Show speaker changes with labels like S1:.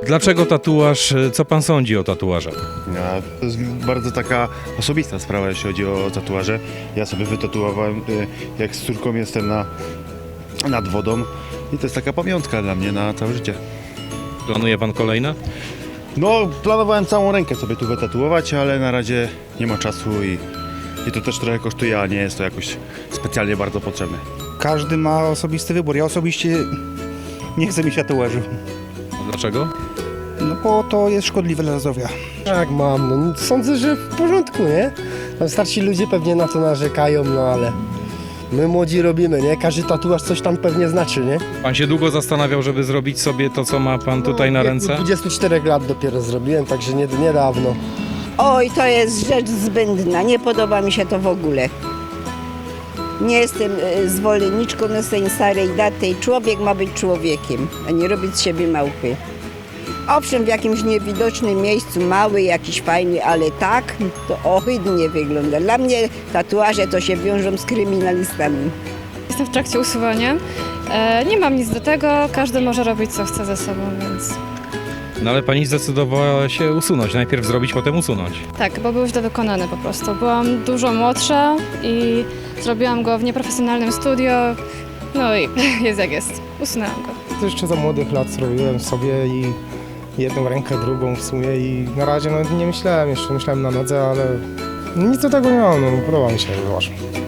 S1: Dlaczego tatuaż? Co pan sądzi o tatuażach?
S2: To jest bardzo taka osobista sprawa, jeśli chodzi o tatuaże. Ja sobie wytatuowałem, jak z córką jestem nad wodą i to jest taka pamiątka dla mnie na całe życie.
S1: Planuje pan kolejne?
S2: No, planowałem całą rękę sobie tu wytatuować, ale na razie nie ma czasu i to też trochę kosztuje, a nie jest to jakoś specjalnie bardzo potrzebne.
S3: Każdy ma osobisty wybór. Ja osobiście nie chcę mieć tatuażu,
S1: Dlaczego?
S3: no bo to jest szkodliwe dla zdrowia.
S4: Tak, mam. No, sądzę, że w porządku, nie? Tam starsi ludzie pewnie na to narzekają, no ale my młodzi robimy, nie? Każdy tatuaż coś tam pewnie znaczy, nie?
S1: Pan się długo zastanawiał, żeby zrobić sobie to, co ma pan tutaj na
S4: W wieku
S1: ręce?
S4: 24 lat dopiero zrobiłem, także niedawno.
S5: Oj, to jest rzecz zbędna, nie podoba mi się to w ogóle. Nie jestem zwolenniczką z tej starej daty. Człowiek ma być człowiekiem, a nie robić z siebie małpy. Owszem, w jakimś niewidocznym miejscu, mały, jakiś fajny, ale tak, to ohydnie wygląda. Dla mnie tatuaże to się wiążą z kryminalistami.
S6: Jestem w trakcie usuwania. Nie mam nic do tego, każdy może robić co chce ze sobą, więc
S1: No ale pani zdecydowała się usunąć. Najpierw zrobić, potem usunąć.
S6: tak, bo był źle wykonany po prostu. Byłam dużo młodsza i zrobiłam go w nieprofesjonalnym studio, no i jest jak jest. Usunęłam go.
S7: To jeszcze za młodych lat zrobiłem sobie i jedną rękę, drugą w sumie i na razie no, nie myślałem jeszcze, myślałem na nodze, ale nic do tego nie mam, no, podoba mi się, zobaczmy.